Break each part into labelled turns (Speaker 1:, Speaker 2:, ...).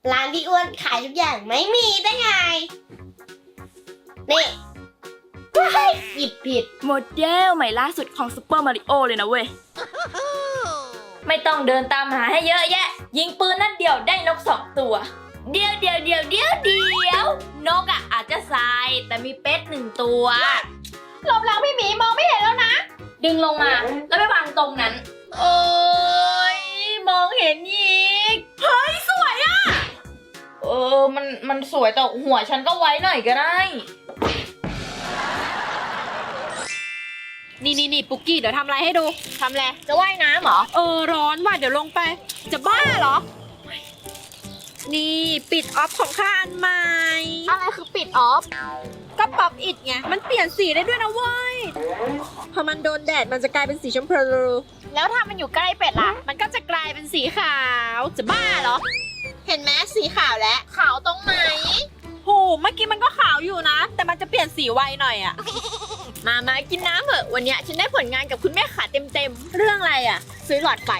Speaker 1: ร้านพี่อ้วนขายทุกอย่างไม่มีได้ไงนี่หยิบผิด
Speaker 2: โมเดลใหม่ล่าสุดของซูเปอร์มาริโอเลยนะเว้ย ไม่ต้องเดินตามหาให้เยอะแยะ ยิงปืนนัดเดียวได้นก2 ตัว เดียวนกอ่ะอาจจะทรายแต่มีเป็ด1 ตัวหลบหลังพี่หมีมองไม่เห็นแล้วนะ ดึงลงมาแล้วไปวางตรงนั้น โอ้ยมองเห็นอีกเฮ้ยสวยอ่ะมันสวยแต่หัวฉันก็ไว้หน่อยก็ได้
Speaker 3: นี่ปุกกี้เดี๋ยวทำอะไรให้ดูทำอะไร
Speaker 2: จะว่ายน้ำเหรอ
Speaker 3: ร้อนว่ะเดี๋ยวลงไปจะบ้าเหรอนี่ปิดออฟของข้าอันใหม่
Speaker 2: อะไรคือปิดออฟ
Speaker 3: ก็ป๊อปอิดไงมันเปลี่ยนสีได้ด้วยนะเว้ยพอมันโดนแดดมันจะกลายเป็นสีชมพูแล้วถ้ามันอยู่ใกล้เป็ดล่ะมันก็จะกลายเป็นสีขาวจะบ้าเหรอเห็นไหมสีขาวแล้วขาวตรงไหนโหเมื่อกี้มันก็ขาวอยู่นะแต่มันจะเปลี่ยนสีไวหน่อยอะมากินน้ำเถอะวันนี้ฉันได้ผลงานกับคุณแม่ขาเต็มเรื่องอะไรอะซื้อหลอดไฟ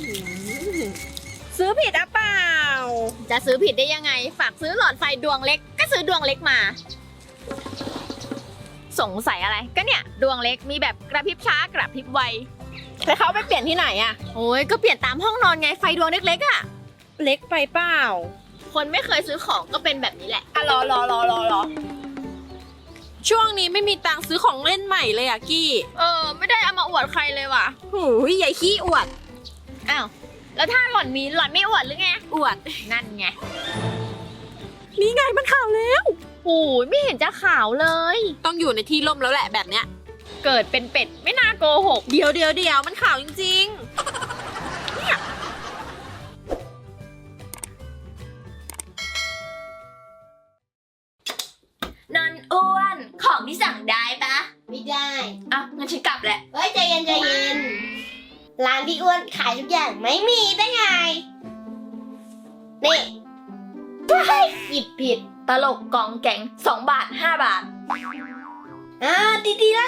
Speaker 3: ซื้อผิดอะเปล่าจะซื้อผิดได้ยังไงฝากซื้อหลอดไฟดวงเล็กก็ซื้อดวงเล็กมาสงสัยอะไรก็เนี่ยดวงเล็กมีแบบกระพริบช้ากระพริบไวแต่เขาไปเปลี่ยนที่ไหนอะโอ้ยก็เปลี่ยนตามห้องนอนไงไฟดวงเล็กๆอะเล็กไปเปล่าคนไม่เคยซื้อของก็เป็นแบบนี้แหละอะรอช่วงนี้ไม่มีตังค์ซื้อของเล่นใหม่เลยอะกี้ไม่ได้เอามาอวดใครเลยว่ะหูยใหญ่ขี้อวดอ้าวแล้วถ้าหล่อนมีหล่อนไม่อวดหรือไงอวดนั่นไงนี่ไงมันขาวแล้วโอ้ยไม่เห็นจะขาวเลยต้องอยู่ในที่ร่มแล้วแหละแบบเนี้ยเกิดเป็นเป็ดไม่น่าโกหกเดี๋ยวมันขาวจริงๆเนี่ย
Speaker 2: นนอ้วนของที่สั่งได้ปะ
Speaker 1: ไม่ได้
Speaker 2: อ่ะงั้นฉันกลับแหละ
Speaker 1: เฮ้ยใจเย็นร้านพี่อ้วนขายทุกอย่างไม่มีได้ไงนี่หยิบผิด
Speaker 2: ตลกกองแกง2 บาท 5 บาท
Speaker 1: ดีละ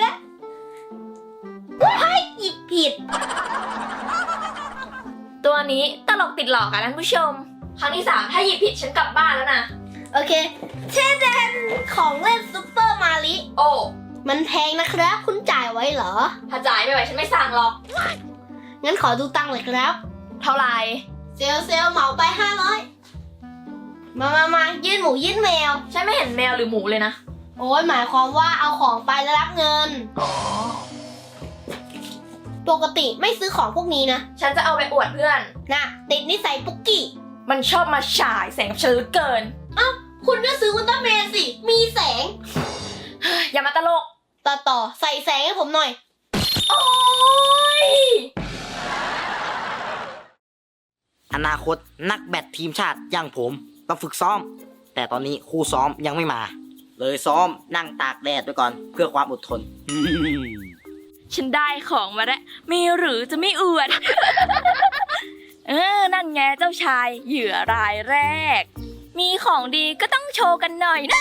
Speaker 1: หยิบผิด
Speaker 2: ตัวนี้ตลกติดหลอกอะท่านผู้ชม ครั้งที่ 3ถ้าหยิบผิดฉันกลับบ้านแล้วนะ
Speaker 1: โอเคเช่นเดนของเล่นซุปเปอร์มาริ
Speaker 2: โอ้
Speaker 1: มันแพงนะครับคุณจ่ายไว้เหรอ
Speaker 2: ถ้าจ่ายไม่ไหวฉันไม่สั่งหรอก
Speaker 1: งั้นขอดูตังค์เลยครับ
Speaker 2: เท่าไหร่
Speaker 1: เซลเหมาไป500มายื่นหมูยื่นแมว
Speaker 2: ฉันไม่เห็นแมวหรือหมูเลยนะ
Speaker 1: โอ้ยหมายความว่าเอาของไปแล้วรับเงิน ปกติไม่ซื้อของพวกนี้นะ
Speaker 2: ฉันจะเอาไปอวดเพื่อน
Speaker 1: น่ะติดนิสัยปุกกี้
Speaker 2: มันชอบมาฉายแสงกับฉันเหลือเกิน
Speaker 1: คุณก็ซื้ออุลตร้าแมนสิ มีแสง
Speaker 2: อย่ามาตลก
Speaker 1: ต่อใส่แสงให้ผมหน่อย
Speaker 2: โอ้ย
Speaker 4: อนาคตนักแบดทีมชาติอย่างผมต้องฝึกซ้อม แต่ตอนนี้ครูซ้อมยังไม่มา เลยซ้อมนั่งตากแดดไว้ก่อนเพื่อความอดทน
Speaker 2: ฉันได้ของมาแล้วมีหรือจะไม่อวด นั่นไงเจ้าชายเหยื่อรายแรก มีของดีก็ต้องโชว์กันหน่อยนะ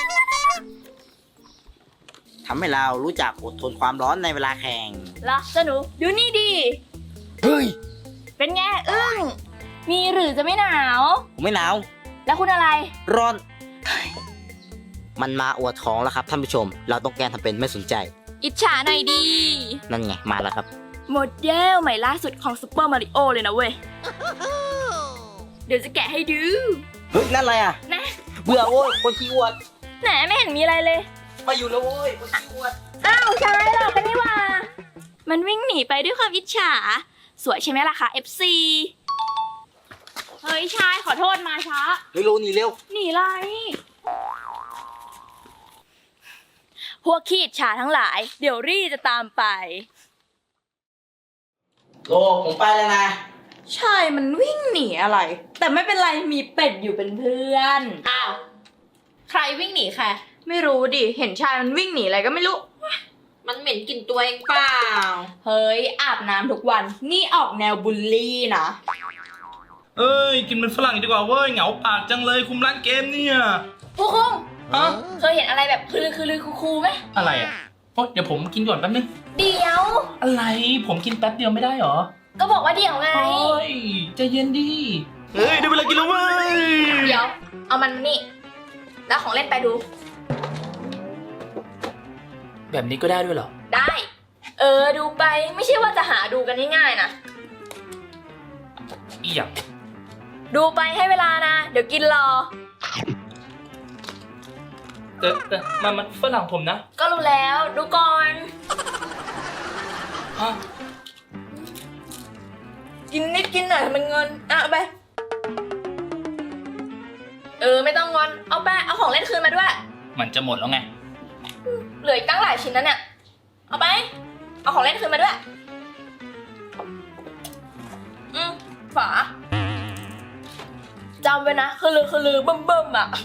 Speaker 4: ทำให้เรารู้จักอดทนความร้อนในเวลาแข่ง
Speaker 2: ล่ะเจ้าหนูดูนี่ดี
Speaker 4: เฮ้ย
Speaker 2: เป็นไงอึ้งมีหรือจะไม่หนาว
Speaker 4: ผมไม่หนาว
Speaker 2: แล้วคุณอะไร
Speaker 4: ร้อน มันมาอวดของแล้วครับท่านผู้ชม เราต้องแกล้งทำเป็นไม่สนใจ
Speaker 2: อิจฉาหน่อยดี
Speaker 4: นั่นไงมาแล้วครับ
Speaker 2: โมเดลใหม่ล่าสุดของซูเปอร์มาริโอเลยนะเว้ย เดี๋ยวจะแกะให้ดู
Speaker 4: เฮ้ยนั่นอะไรอ่ะ
Speaker 2: นะ
Speaker 4: เบื่อโว้ยคนขี้อวด
Speaker 2: แหนไม่เห็นมีอะไรเลย
Speaker 4: มาอยู่แล้วโว้ยคนขี้อวด
Speaker 2: อ้าวชายหรอกกันนี่ว่า มันวิ่งหนีไปด้วยความอิจฉา สวยใช่ไหมล่ะคะ FC เฮ้ยชายขอโทษมาช้า
Speaker 4: เฮ้ยโลหนีเร็ว
Speaker 2: หนีไร พวกขี้อิจฉาทั้งหลาย เดี๋ยวรี่จะตามไป
Speaker 4: โลผมไปแล้วนะ
Speaker 2: ใช่มันวิ่งหนีอะไร แต่ไม่เป็นไรมีเป็ดอยู่เป็นเพื่อน
Speaker 3: อ้าวใครวิ่งหนีใคร
Speaker 2: ไม่รู้ดิ เห็นชายมันวิ่งหนีอะไรก็ไม่รู้
Speaker 3: มันเหม็นกลิ่นตัวเองเปล่า
Speaker 2: เฮ้ยอาบน้ำทุกวัน นี่ออกแนวบูลลี่นะ
Speaker 5: เอ้ยกินเป็นฝรั่งดีกว่าเว้ยเหงาปากจังเลยคุมร้านเกมเนี่ย
Speaker 2: ผู้คุง
Speaker 5: ฮะ
Speaker 2: เคยเห็นอะไรแบบคือคูไหม
Speaker 5: อะไรอ่ะโอ๊ยเดี๋ยวผมกินก่อนแป๊บนึง
Speaker 2: เดี๋ยว
Speaker 5: อะไรผมกินแป๊บเดียวไม่ได้เหรอ
Speaker 2: ก็บอกว่าเดี๋ยวไง
Speaker 5: เฮ้ยใจเย็นดิเฮ้ยได้เวลากินแล้วเว้ย
Speaker 2: เอามันมานี่ แล้วของเล่นไปดู
Speaker 5: แบบนี้ก็ได้ด้วยเหรอ
Speaker 2: ได้ ดูไปไม่ใช่ว่าจะหาดูกันง่ายๆนะ
Speaker 5: อีหยัง
Speaker 2: ดูไปให้เวลานะ เดี๋ยวกินรอ
Speaker 5: แต่มันฝรั่งผมนะ
Speaker 2: ก็รู้แล้วดูก่อน
Speaker 5: ฮะ
Speaker 2: กินนิดกินหน่อยมันเงินเอาไป ไม่ต้องงอนเอาไปเอาของเล่นคืนมาด้วย
Speaker 5: มันจะหมดแล้วไง
Speaker 2: เหลืออีกตั้งหลายชิ้นนะเนี่ยเอาไปเอาของเล่นคืนมาด้วยฝาจำไว้นะคือลือเบิ่มๆอ่ะ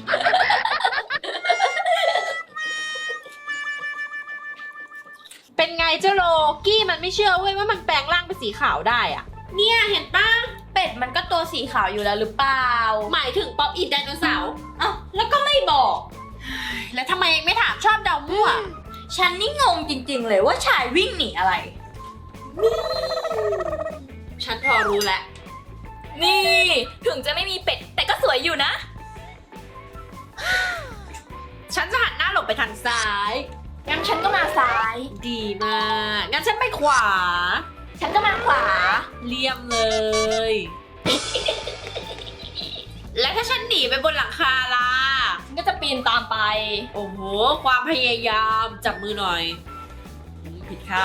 Speaker 3: เป็นไงเจ้าโลกี้มันไม่เชื่อเว้ยว่ามันแปลงร่างเป็นสีขาวได้อะเนี่ยเห็นปะ
Speaker 2: เป็ดมันก็ตัวสีขาวอยู่แล้วหรือเปล่า
Speaker 3: หมายถึงป๊อปอินไดโนเสาร์
Speaker 2: เอ้าแล้วก็ไม่บอก
Speaker 3: แล้วทำไมเองไม่ถามชอบเดามั่ว
Speaker 2: ฉันนี่งงจริงๆเลยว่าชายวิ่งหนีอะไร
Speaker 3: ฉันพอรู้แล้ว
Speaker 2: นี่ถึงจะไม่มีเป็ดแต่ก็สวยอยู่นะ
Speaker 3: ฉันจะหันหน้าหลบไปทางซ้าย
Speaker 2: งั้นฉันก็มาซ้าย
Speaker 3: ดีมากงั้นฉันไปขวา
Speaker 2: ฉันก็มาขวา
Speaker 3: เลี่ยมเลย และถ้าฉันหนีไปบนหลังคาล่ะ
Speaker 2: ฉันก็จะปีนตามไป
Speaker 3: โอ้โห ความพยายามจับมือหน่อยผิดค่ะ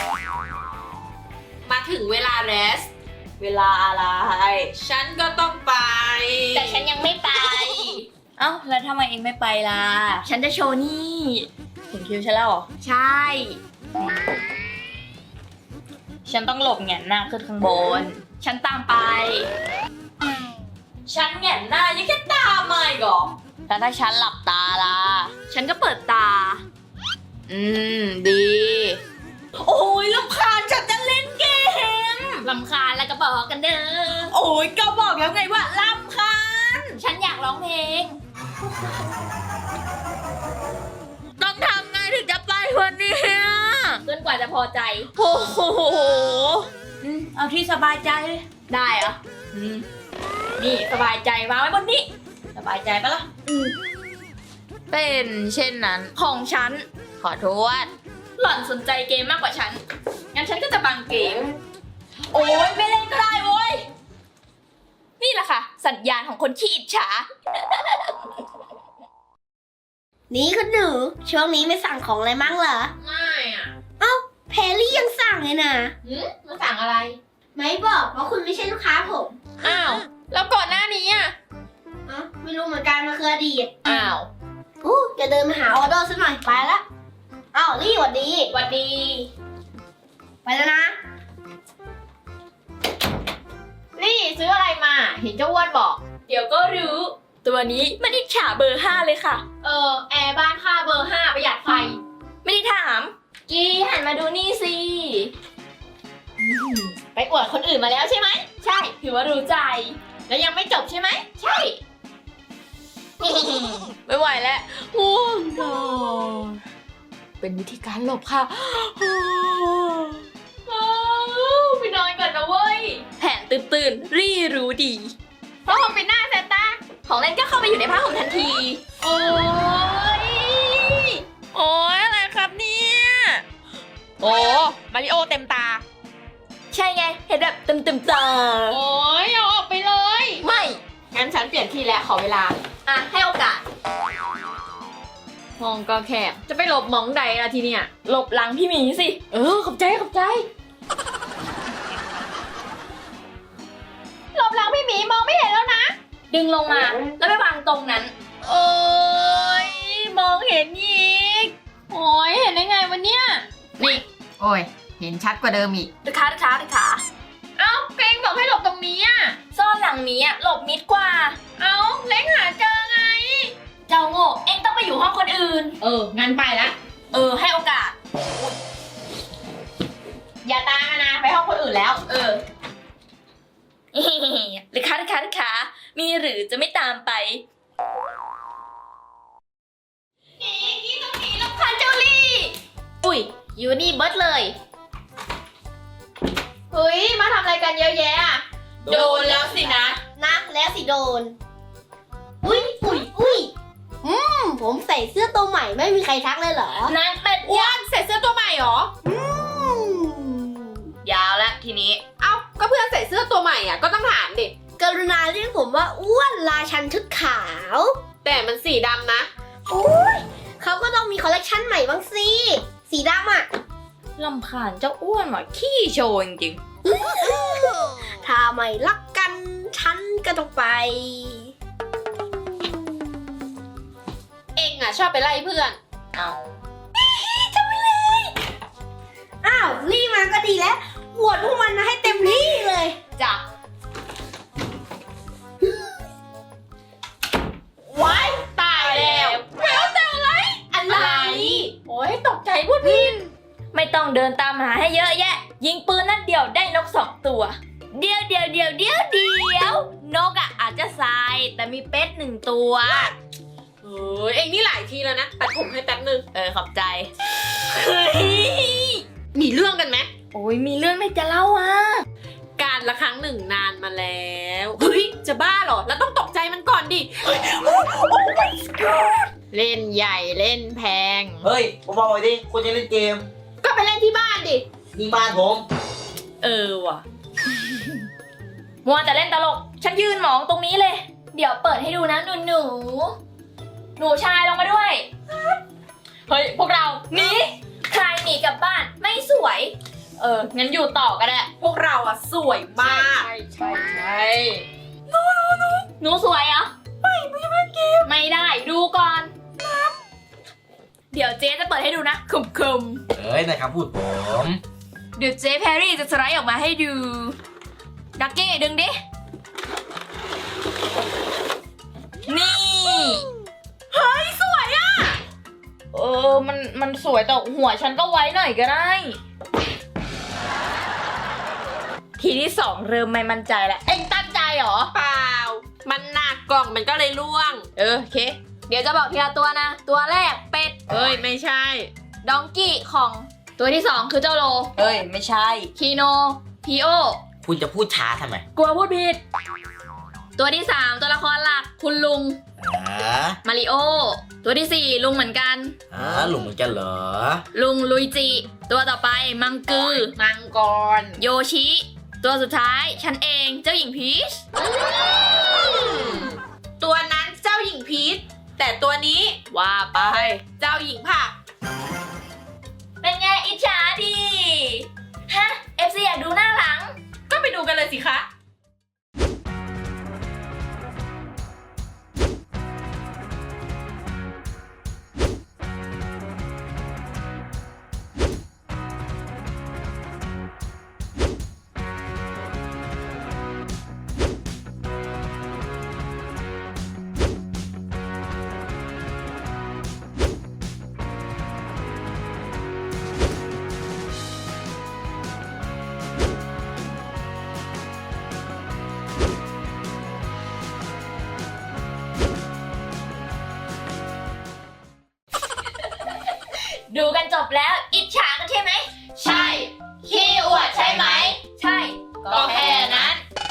Speaker 3: มาถึงเวลาเรส
Speaker 2: เวลาอะไร
Speaker 3: ฉันก็ต้องไป
Speaker 2: แต่ฉันยังไม่ไป เอ้าแล้วทำไมเองไม่ไปล่ะ ฉันจะโชว์นี่ถึงคิวฉันแล้วเหรอ ใช่ ฉันต้องหลบแหงนหน้าขึ้นข้างบน ฉันตามไป ฉันแหงนหน้ายังแค่ตามมาอีกเหรอแล้วถ้าฉันหลับตาล่ะ ฉันก็เปิดตา ดี โอ้ยรำคาญฉันจะเล่นเกมรำคาญแล้วก็บอกกันเด้อ โอ้ยก็บอกแล้วไงว่ารำคาญ ฉันอยากร้องเพลง ต้องทำไงถึงจะไปวันนี้จนกว่าจะพอใจ โอ้โหเอาที่สบายใจเลยได้เหรอนี่สบายใจวางไว้บนนี้ สบายใจปะล่ะเป็นเช่นนั้นของฉัน ขอโทษ หล่อนสนใจเกมมากกว่าฉัน งั้นฉันก็จะบังเกม โอ้ยไม่เล่นก็ได้โว้ย นี่แหละค่ะ สัญญาณของคนขี้อิจฉา
Speaker 1: นี่คุณหนูช่วงนี้ไม่สั่งของอะไรมั่งเหรอ
Speaker 3: ง่ายอ่ะ
Speaker 1: แพรรี่ยังสั่งเลยนะ
Speaker 3: มาสั่งอะไร
Speaker 1: ไม่บอกเพราะคุณไม่ใช่ลูกค้าผม
Speaker 3: อ้าว แล้วก่อนหน้านี้อ่ะ
Speaker 1: ไม่รู้เหมือนกันมันคืออดีต
Speaker 3: อ้าว
Speaker 1: จะเดินมาหาออเดอร์ซะหน่อยไปละอ้าวรี่หวัดดี
Speaker 2: หวัดดี
Speaker 1: ไปแล้วนะ
Speaker 3: นี่ซื้ออะไรมา เห็นเจ้าอ้วนบอก
Speaker 2: เดี๋ยวก็รู้ ตัวนี้มันอิจฉาเบอร์ 5 เลยค่ะ
Speaker 3: แอร์บ้านค่าเบอร์ 5 ประหยัดไฟ
Speaker 2: ไม่ได้ถาม กี้หันมาดูนี่สิ
Speaker 3: ไปอวดคนอื่นมาแล้วใช่ไหม
Speaker 2: ใช่ ถือว่ารู้ใจ
Speaker 3: แล้วยังไม่จบใช่ไหม
Speaker 2: ใช่ ไม่ไหวแล้วง่วงนอนเป็นวิธีการหลบค่ะไปนอนก่อนนะเว้ย แผนตื่นๆ รี่รู้ดี
Speaker 3: เพราะผมเป็นหน้าแซนต้า
Speaker 2: ของเล่นก็เข้าไปอยู่ในผ้าห่มทันที
Speaker 3: โอ้ย โอ้ยอะไรครับเนี่ย โอ้มาริโอเต็มตา
Speaker 2: ใช่ไง เห็นแบบเต็มๆตา
Speaker 3: โอ้ยเอาออกไปเลย
Speaker 2: ไม่
Speaker 3: งั้นฉันเปลี่ยนที่แล้วขอเวลา
Speaker 2: อ่ะ ให้โอกาส
Speaker 3: ห้องก็แคบ จะไปหลบหมองใดล่ะทีเนี่ย
Speaker 2: หลบหลังพี่หมีสิ
Speaker 3: ขอบใจขอบใจ หลบหลังพี่หมีมองไม่เห็นแล้วนะ
Speaker 2: ดึงลงมา แล้วไปวางตรงนั้น
Speaker 3: โอ้ยมองเห็นอีก โอ้ยเห็นได้ไงวะเนี่ย นี่ โอ้ย เห็นชัดกว่าเดิมอีก
Speaker 2: ดึกขาดึกขาดึกขา
Speaker 3: เอ้าเกรงบอกให้หลบตรงนี้อ่ะ
Speaker 2: ซ่อนหลังนี้อะหลบมิดกว่า
Speaker 3: เอ้าเล้งหาเจอไง
Speaker 2: เจ้าโง่ เอ็งต้องไปอยู่ห้องคนอื่น
Speaker 3: งั้นไปละ
Speaker 2: ให้โอกาส
Speaker 3: อย่าตามมานะ ไปห้องคนอื่นแล้ว
Speaker 2: ดึกขาดึกขาดึกขามีหรือจะไม่ตามไปนี่ตรงนี้รำคาญเจ้าลี่
Speaker 3: อุ้ยอยู่นี่เบิร์ดเลย เฮ้ย มาทำอะไรกันเยอะแยะอะ
Speaker 2: โดนแล้วสินะ
Speaker 1: นะแล้วสิโดน อุ้ยฝุ่นผมใส่เสื้อตัวใหม่ไม่มีใครทักเลยเหรอ
Speaker 2: นางเป็ด
Speaker 3: อ้วนใส่เสื้อตัวใหม่เหรอ
Speaker 2: ยาวแล้วทีนี้
Speaker 3: เอ้า ก็เพื่อนใส่เสื้อตัวใหม่อ่ะ ก็ต้องถามดิ
Speaker 1: กรุณาเรียกผมว่าอ้วนราชันชุดขาว
Speaker 3: แต่มันสีดำนะ
Speaker 1: เขาก็ต้องมีคอลเลกชันใหม่บ้างสิ สีดำอ่ะ
Speaker 2: ลำคาญเจ้าอ้วนหน่อยขี้โชว์จริง
Speaker 1: ถ้าไม่รักกัน ฉันก็ต้องไป
Speaker 3: เองอ่ะชอบไปไล่เพื่อน
Speaker 2: ๆเอา
Speaker 1: อ้าวรีบมาก็ดีแล้วบวชพวกมันมาให้เต็มที่เลย
Speaker 2: จ้ะ
Speaker 3: ว้ายตายแล้วแล้วแต่อะไร
Speaker 1: อะไร
Speaker 3: โอ้ยตกใจพูดผิด
Speaker 2: ไม่ต้องเดินตามหาให้เยอะแยะ ยิงปืนนัดเดียวได้นก2 ตัว เดียวนกอ่ะอาจจะทรายแต่มีเป็ด1 ตัว
Speaker 3: เฮ้ยเองนี่หลายทีแล้วนะตัดผมให้แป๊บนึง
Speaker 2: ขอบใจ
Speaker 3: มีเรื่องกันไหม
Speaker 2: โอ้ยมีเรื่องไม่จะเล่าอ่ะ
Speaker 3: การละครั้งหนึ่งนานมาแล้ว เฮ้ย จะบ้าเหรอ แล้วต้องตกใจมันก่อนดิ เล่นใหญ่เล่นแพง
Speaker 4: เฮ้ยผมบอกไว้ดิคุณจะเล่นเกม
Speaker 3: ก็ไปเล่นที่บ้านดิ
Speaker 4: นี่บ้านผม
Speaker 2: ว่ะ มัวแต่เล่นตลก ฉันยืนหมองตรงนี้เลย เดี๋ยวเปิดให้ดูนะหนูชายลงมาด้วย เฮ้ย พวกเราหนีใครหนีกลับบ้านไม่สวย งั้นอยู่ต่อก็ได้
Speaker 3: พวกเราอะสวยมาก
Speaker 2: ใช่หนูสวยเหรอ ไม่เล่นเกมไม่ได้ดูก่อนเดี๋ยวเจ๊จะเปิดให้ดูนะคุม
Speaker 4: เอ้ยนะครับพูดผม
Speaker 2: เดี๋ยวเจ๊แพรรี่จะสไลด์ออกมาให้ดู ดักกี้ดึงดิ นี่
Speaker 3: เฮ้ย สวยอะ
Speaker 2: มันสวยแต่หัวฉันก็ไว้หน่อยก็ได้ ทีที่ 2 เริ่มไม่มั่นใจแล้ว เอ็งตั้งใจเหรอ
Speaker 3: เปล่า มันหนักกล่องมันก็เลยร่วง
Speaker 2: โอเค เดี๋ยวจะบอกทีละตัวนะ ตัวแรกเป็ด
Speaker 3: เฮ้ย ไม่ใช่
Speaker 2: ดองกี้ของ ตัวที่ 2 คือเจ้าโล ไม่ใช่ คีโน พีโอ
Speaker 4: คุณจะพูดช้าทำไม
Speaker 2: กลัวพูดผิด ตัวที่ 3 ตัวละครหลัก คุณลุง มาริโอ ตัวที่ 4 ลุงเหมือนกัน
Speaker 4: หลุงเหมือนกันเหรอ
Speaker 2: ลุงลุยจิ ตัวต่อไปมังกือ
Speaker 3: มังกร
Speaker 2: โยชิ ตัวสุดท้าย ฉันเอง เจ้าหญิงพีช
Speaker 3: ตัวนั้นเจ้าหญิงพีช แต่ตัวนี้
Speaker 2: ว่าไป
Speaker 3: เจ้าหญิงผัก
Speaker 2: เป็นไงอิจฉาดี ฮะ FC อยากดูหน้าหลัง
Speaker 3: ก็ไปดูกันเลยสิคะ
Speaker 2: ดูกันจบแล้ว อิจฉากันใช่ไหม
Speaker 3: ใช่
Speaker 2: ขี้อวดใช่ไหม ใช่ ก็แค่นั้น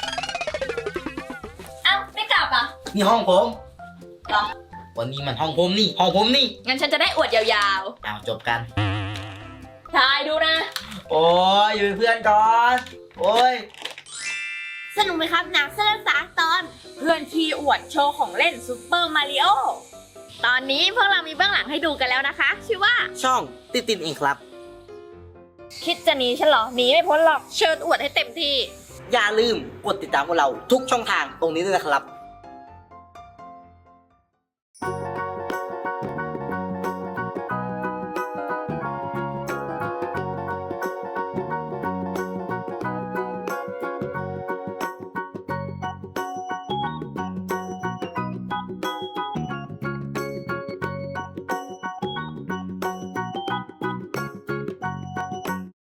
Speaker 2: เอ้า ไม่กลับอ่ะ
Speaker 4: นี่ห้องผม
Speaker 2: เหรอ
Speaker 4: วันนี้มันห้องผมนี่ ห้องผมนี่
Speaker 2: งั้นฉันจะได้อวดยาว
Speaker 4: เอาจบกัน
Speaker 2: ๆทายดูนะ
Speaker 4: โอ้ยอยู่เป็นเพื่อนก่อน โอ้ย
Speaker 1: สนุกไหมครับหนังเสื้อสาตอน
Speaker 3: เพื่อนขี้อวดโชว์ของเล่นซูเปอร์มาริโอ ตอนนี้พวกเรามีเบื้องหลังให้ดูกันแล้วนะคะ ชื่อว่า
Speaker 4: ช่องตินเองครับ
Speaker 2: คิดจะหนีฉันเหรอ หนีไม่พ้นหรอก
Speaker 3: เชิญอวดให้เต็มที่
Speaker 4: อย่าลืมกดติดตามพวกเราทุกช่องทางตรงนี้ด้วยนะครับ